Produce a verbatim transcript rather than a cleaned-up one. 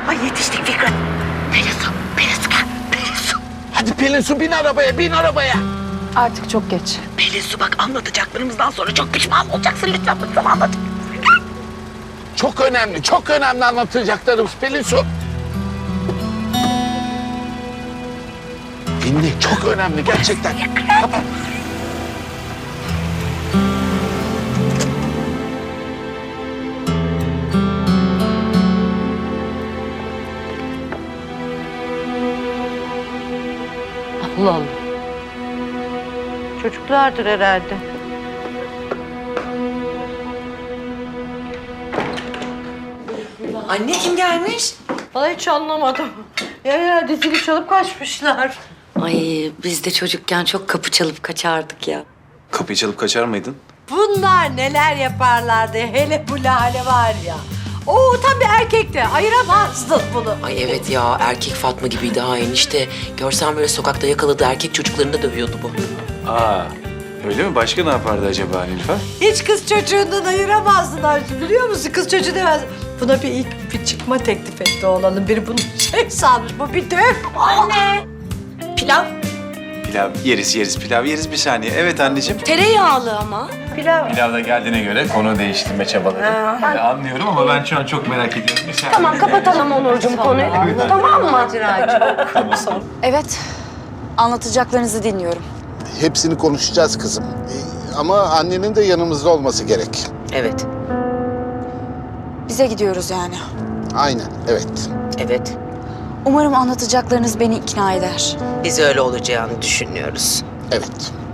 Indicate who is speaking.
Speaker 1: Ay yetiştik Fikret. Pelin Su, Pelin Su gel. Pelin Su.
Speaker 2: Hadi Pelin Su bin arabaya, bin arabaya.
Speaker 3: Artık çok geç.
Speaker 1: Pelin Su bak anlatacaklarımızdan sonra çok pişman olacaksın. Lütfen bak sana anlat.
Speaker 2: Çok önemli, çok önemli anlatacaklarımız Pelin Su. Dinle, çok önemli gerçekten. Kapat.
Speaker 4: Allah Allah. Çocuklardır herhalde.
Speaker 1: Anne kim gelmiş?
Speaker 4: Vallahi hiç anlamadım. Ya herhalde zili çalıp kaçmışlar.
Speaker 5: Ay biz de çocukken çok kapı çalıp kaçardık ya.
Speaker 6: Kapıyı çalıp kaçar mıydın?
Speaker 4: Bunlar neler yaparlardı hele bu Lale var ya. Oo tam bir erkekti. Ayıramazdın bunu.
Speaker 7: Ay evet ya, erkek Fatma gibiydi ha enişte. Görsen böyle sokakta yakaladığı erkek çocuklarını da dövüyordu bu.
Speaker 6: Aa, öyle mi? Başka ne yapardı acaba Nilüfer?
Speaker 4: Hiç kız çocuğundan ayıramazdın Arzu, biliyor musun? Kız çocuğu demez. Buna bir ilk bir çıkma teklif etti oğlanın. Biri bunu şey sanmış. Bu bir döv. Anne.
Speaker 1: Pilav.
Speaker 6: Pilav yeriz yeriz, pilav yeriz bir saniye. Evet anneciğim.
Speaker 5: Tereyağlı ama.
Speaker 4: Pilav.
Speaker 6: Pilav da geldiğine göre konu değiştirme çabaları. Ben anlıyorum ama ben şu an çok merak ediyorum. Bir saniye.
Speaker 5: Tamam kapatalım Onurcuğum konuyu. Tamam mı?
Speaker 3: Evet. Anlatacaklarınızı dinliyorum.
Speaker 2: Hepsini konuşacağız kızım. Ee, Ama annenin de yanımızda olması gerek.
Speaker 7: Evet,
Speaker 3: Bize gidiyoruz yani.
Speaker 2: Aynen, evet.
Speaker 7: evet.
Speaker 3: Umarım anlatacaklarınız beni ikna eder.
Speaker 7: Biz öyle olacağını düşünüyoruz.
Speaker 2: Evet.